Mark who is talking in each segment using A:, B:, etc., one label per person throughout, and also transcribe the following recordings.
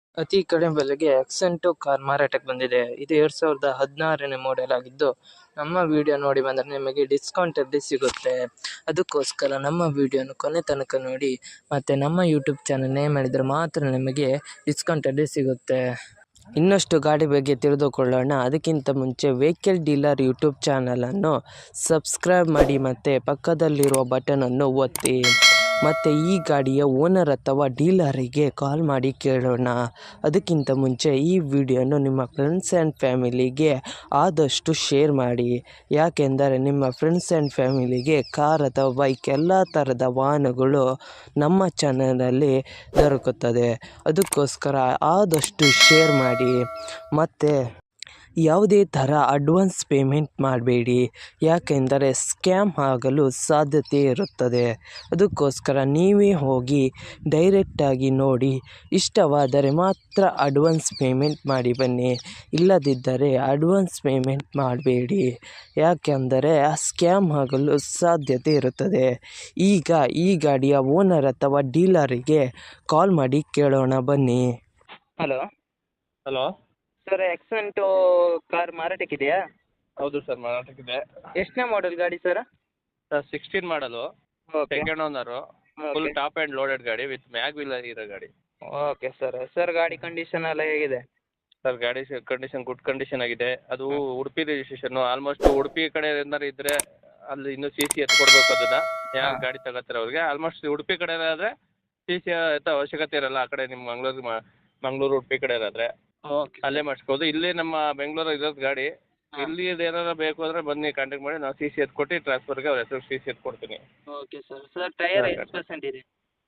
A: ಅತಿ ಕಡಿಮೆ ಬೆಲೆಗೆ ಆಕ್ಸೆಂಟು ಕಾರ್ ಮಾರಾಟಕ್ಕೆ ಬಂದಿದೆ. ಇದು 2016ನೇ ಮಾಡೆಲ್ ಆಗಿದ್ದು, ನಮ್ಮ ವಿಡಿಯೋ ನೋಡಿ ಬಂದರೆ ನಿಮಗೆ ಡಿಸ್ಕೌಂಟಲ್ಲಿ ಸಿಗುತ್ತೆ. ಅದಕ್ಕೋಸ್ಕರ ನಮ್ಮ ವಿಡಿಯೋನ ಕೊನೆ ತನಕ ನೋಡಿ ಮತ್ತು ನಮ್ಮ ಯೂಟ್ಯೂಬ್ ಚಾನಲ್ ನೇಮ್ ಮಾಡಿದರೆ ಮಾತ್ರ ನಿಮಗೆ ಡಿಸ್ಕೌಂಟಲ್ಲಿ ಸಿಗುತ್ತೆ. ಇನ್ನಷ್ಟು ಗಾಡಿ ಬಗ್ಗೆ ತಿಳಿದುಕೊಳ್ಳೋಣ. ಅದಕ್ಕಿಂತ ಮುಂಚೆ ವೆಹಿಕಲ್ ಡೀಲರ್ ಯೂಟ್ಯೂಬ್ ಚಾನಲನ್ನು ಸಬ್ಸ್ಕ್ರೈಬ್ ಮಾಡಿ ಮತ್ತು ಪಕ್ಕದಲ್ಲಿರುವ ಬಟನನ್ನು ಒತ್ತಿ. ಮತ್ತು ಈ ಗಾಡಿಯ ಓನರ್ ಅಥವಾ ಡೀಲರಿಗೆ ಕಾಲ್ ಮಾಡಿ ಕೇಳೋಣ. ಅದಕ್ಕಿಂತ ಮುಂಚೆ ಈ ವಿಡಿಯೋನು ನಿಮ್ಮ ಫ್ರೆಂಡ್ಸ್ ಆ್ಯಂಡ್ ಫ್ಯಾಮಿಲಿಗೆ ಆದಷ್ಟು ಶೇರ್ ಮಾಡಿ. ಯಾಕೆಂದರೆ ನಿಮ್ಮ ಫ್ರೆಂಡ್ಸ್ ಆ್ಯಂಡ್ ಫ್ಯಾಮಿಲಿಗೆ ಕಾರ್ ಅಥವಾ ಬೈಕ್ ಎಲ್ಲ ಥರದ ವಾಹನಗಳು ನಮ್ಮ ಚಾನಲಲ್ಲಿ ದೊರಕುತ್ತದೆ. ಅದಕ್ಕೋಸ್ಕರ ಆದಷ್ಟು ಶೇರ್ ಮಾಡಿ. ಮತ್ತು ಯಾವುದೇ ಥರ ಅಡ್ವಾನ್ಸ್ ಪೇಮೆಂಟ್ ಮಾಡಬೇಡಿ, ಯಾಕೆಂದರೆ ಸ್ಕ್ಯಾಮ್ ಆಗಲು ಸಾಧ್ಯತೆ ಇರುತ್ತದೆ. ಅದಕ್ಕೋಸ್ಕರ ನೀವೇ ಹೋಗಿ ಡೈರೆಕ್ಟಾಗಿ ನೋಡಿ, ಇಷ್ಟವಾದರೆ ಮಾತ್ರ ಅಡ್ವಾನ್ಸ್ ಪೇಮೆಂಟ್ ಮಾಡಿ ಬನ್ನಿ. ಇಲ್ಲದಿದ್ದರೆ ಅಡ್ವಾನ್ಸ್ ಪೇಮೆಂಟ್ ಮಾಡಬೇಡಿ, ಯಾಕೆಂದರೆ ಸ್ಕ್ಯಾಮ್ ಆಗಲು ಸಾಧ್ಯತೆ ಇರುತ್ತದೆ. ಈಗ ಈ ಗಾಡಿಯ ಓನರ್ ಅಥವಾ ಡೀಲರಿಗೆ ಕಾಲ್ ಮಾಡಿ ಕೇಳೋಣ ಬನ್ನಿ.
B: Hello
C: hello
B: sir, Accent car ಮಾರಾಟಕ್ಕಿದೆಯಾ?
C: ಹೌದು ಸರ್, ಮಾರಾಟಕ್ಕಿದೆ.
B: ಎಷ್ಟನೇ ಮಾಡೆಲ್ ಗಾಡಿ sir?
C: Sir 16 model,
B: okay
C: second owner, full top and loaded ಗಾಡಿ ವಿತ್ ಮ್ಯಾಗ್ ವೀಲ್ ಇರೋ ಗಾಡಿ.
B: ಓಕೆ ಸರ್ ಗಾಡಿ ಕಂಡೀಷನ್ ಎಲ್ಲ ಹೇಗಿದೆ?
C: ಸರ್ ಗಾಡಿ ಕಂಡೀಷನ್ ಗುಡ್ ಕಂಡೀಷನ್ ಆಗಿದೆ. ಅದು ಉಡುಪಿ ರಿಜಿಸ್ಟ್ರೇಷನ್ನು. ಆಲ್ಮೋಸ್ಟ್ ಉಡುಪಿ ಕಡೆ ಏನಾರು ಇದ್ದರೆ ಅಲ್ಲಿ ಇನ್ನೂ ಸಿ ಸಿ ಎತ್ಕೊಡ್ಬೇಕು. ಅದನ್ನು ಯಾರು ಗಾಡಿ ತಗೋತಾರೆ ಅವ್ರಿಗೆ. ಆಲ್ಮೋಸ್ಟ್ ಉಡುಪಿ ಕಡೆ ಆದರೆ ಸಿ ಸಿ ಎತ್ತ ಅವಶ್ಯಕತೆ ಇರಲ್ಲ. ಆ ಕಡೆ ನಿಮ್ಮ ಮಂಗಳೂರು ಉಡುಪಿ ಕಡೆ ಇರೋದ್ರೆ
B: ಓಕೆ
C: ಅಲ್ಲೇ ಮಾಡಿಸ್ಬೋದು. ಇಲ್ಲೇ ನಮ್ಮ ಬೆಂಗಳೂರು ಇರೋದು ಗಾಡಿ. ಇಲ್ಲಿ ಏನಾರು ಬೇಕು ಅಂದರೆ ಬನ್ನಿ, ಕಾಂಟ್ಯಾಕ್ಟ್ ಮಾಡಿ. ನಾವು ಸಿ ಸಿ ಎತ್ಕೊಟ್ಟು ಟ್ರಾನ್ಸ್ಫರ್ಗೆ ಅವ್ರ ಹೆಸರು ಸಿ ಸಿ ಎತ್ಕೊಡ್ತೀನಿ.
B: ಓಕೆ ಸರ್ ಟೈರ್ ಎಷ್ಟು ಪರ್ಸೆಂಟ್ ಇದೆ?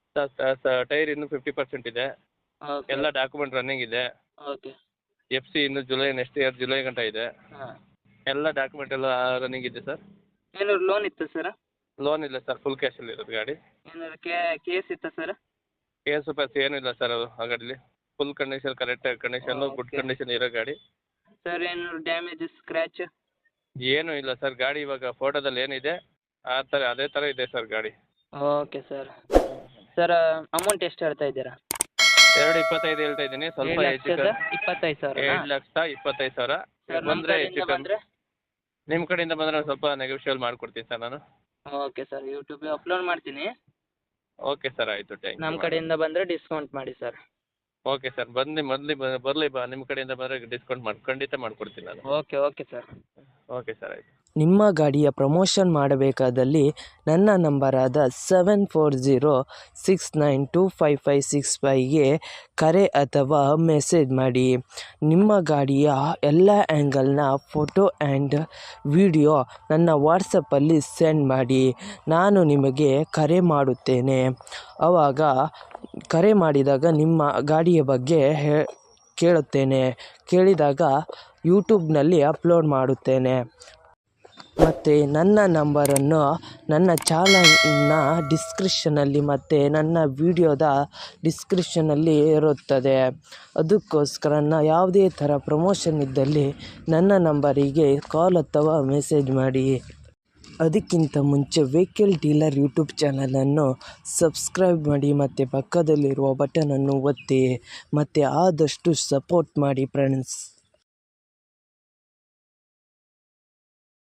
C: ಸರ್ ಟೈರ್ ಇನ್ನೂ 50% ಇದೆ.
B: ಓಕೆ
C: ಎಲ್ಲ ಡಾಕ್ಯುಮೆಂಟ್ ರನ್ನಿಂಗ್ ಇದೆ.
B: ಓಕೆ
C: ಎಫ್ ಸಿ ಇನ್ನು ನೆಕ್ಸ್ಟ್ ಇಯರ್ ಜುಲೈ ಗಂಟ ಇದೆ.
B: ಹಾಂ,
C: ಎಲ್ಲ ಡಾಕ್ಯುಮೆಂಟ್ ಎಲ್ಲ ರನ್ನಿಂಗ್ ಇದೆ ಸರ್.
B: ಏನಾದ್ರು ಲೋನ್ ಇತ್ತು ಸರ್?
C: ಲೋನ್ ಇಲ್ಲ ಸರ್, ಫುಲ್ ಕ್ಯಾಶಲ್ಲಿ ಇರೋದು ಗಾಡಿ.
B: ಏನಾದ್ರು ಕೇಸ್ ಇತ್ತಾ ಸರ್?
C: ಕೇಸು ಪ್ಯಾಸ್ ಏನಿಲ್ಲ ಸರ್. ಅದು ಆ ಗಾಡೀಲಿ full condition, correct condition, good
B: Okay.
C: Condition ಇರೋ ಗಾಡಿ.
B: ಸರ್ ಏನಾದ್ರು ಡ್ಯಾಮೇಜ್ ಸ್ಕ್ರ್ಯಾಚ್?
C: ಏನೂ ಇಲ್ಲ ಸರ್. ಗಾಡಿ ಇವಾಗ ಫೋಟೋದಲ್ಲಿ ಏನಿದೆ ಅದೇ ಥರ ಇದೆ ಸರ್ ಗಾಡಿ.
B: ಓಕೆ ಸರ್ ಅಮೌಂಟ್ ಎಷ್ಟು ಹೇಳ್ತಾ ಇದ್ದೀರಾ?
C: 2.25 ಹೇಳ್ತಾ ಇದ್ದೀನಿ. ಸ್ವಲ್ಪ ಹೆಚ್ಚು
B: 25,000?
C: 7,25,000
B: ಸರ್
C: ಬಂದರೆ ಹೆಚ್ಚು ಕಮ್ಮಿ.
B: ಬಂದರೆ?
C: ನಿಮ್ಮ ಕಡೆಯಿಂದ ಬಂದರೆ ಸ್ವಲ್ಪ ನೆಗೋಷಿಯೇಟ್ ಮಾಡಿಕೊಡ್ತೀನಿ ಸರ್ ನಾನು.
B: ಓಕೆ ಸರ್, ಯೂಟ್ಯೂಬಿಗೆ ಅಪ್ಲೋಡ್ ಮಾಡ್ತೀನಿ.
C: ಓಕೆ ಸರ್, ಆಯಿತು.
B: ನಮ್ಮ ಕಡೆಯಿಂದ ಬಂದರೆ ಡಿಸ್ಕೌಂಟ್ ಮಾಡಿ ಸರ್.
C: ಓಕೆ ಸರ್, ಬರಲಿ ನಿಮ್ಮ ಕಡೆಯಿಂದ ಬಂದರೆ ಡಿಸ್ಕೌಂಟ್ ಖಂಡಿತ ಮಾಡಿಕೊಡ್ತೀನಿ ನಾನು.
B: Okay sir.
C: ಓಕೆ ಸರ್, ಆಯಿತು.
A: ನಿಮ್ಮ ಗಾಡಿಯ ಪ್ರಮೋಷನ್ ಮಾಡಬೇಕಾದಲ್ಲಿ ನನ್ನ ನಂಬರಾದ 7406925565ಗೆ ಕರೆ ಅಥವಾ ಮೆಸೇಜ್ ಮಾಡಿ. ನಿಮ್ಮ ಗಾಡಿಯ ಎಲ್ಲ ಆ್ಯಂಗಲ್ನ ಫೋಟೋ ಆ್ಯಂಡ್ ವಿಡಿಯೋ ನನ್ನ ವಾಟ್ಸಪ್ಪಲ್ಲಿ ಸೆಂಡ್ ಮಾಡಿ. ನಾನು ನಿಮಗೆ ಕರೆ ಮಾಡುತ್ತೇನೆ. ಆವಾಗ ಕರೆ ಮಾಡಿದಾಗ ನಿಮ್ಮ ಗಾಡಿಯ ಬಗ್ಗೆ ಕೇಳಿದಾಗ ಯೂಟ್ಯೂಬ್ನಲ್ಲಿ ಅಪ್ಲೋಡ್ ಮಾಡುತ್ತೇನೆ. ಮತ್ತು ನನ್ನ ನಂಬರನ್ನು ನನ್ನ ಚಾನಲ್ನ ಡಿಸ್ಕ್ರಿಪ್ಷನಲ್ಲಿ ಮತ್ತು ನನ್ನ ವಿಡಿಯೋದ ಡಿಸ್ಕ್ರಿಪ್ಷನಲ್ಲಿ ಇರುತ್ತದೆ. ಅದಕ್ಕೋಸ್ಕರ ಯಾವುದೇ ಥರ ಪ್ರಮೋಷನ್ ಇದ್ದಲ್ಲಿ ನನ್ನ ನಂಬರಿಗೆ ಕಾಲ್ ಅಥವಾ ಮೆಸೇಜ್ ಮಾಡಿ. ಅದಕ್ಕಿಂತ ಮುಂಚೆ ವೆಹಿಕಲ್ ಡೀಲರ್ ಯೂಟ್ಯೂಬ್ ಚಾನಲನ್ನು ಸಬ್ಸ್ಕ್ರೈಬ್ ಮಾಡಿ ಮತ್ತು ಪಕ್ಕದಲ್ಲಿರುವ ಬಟನನ್ನು ಒತ್ತಿ ಮತ್ತು ಆದಷ್ಟು ಸಪೋರ್ಟ್ ಮಾಡಿ ಫ್ರೆಂಡ್ಸ್.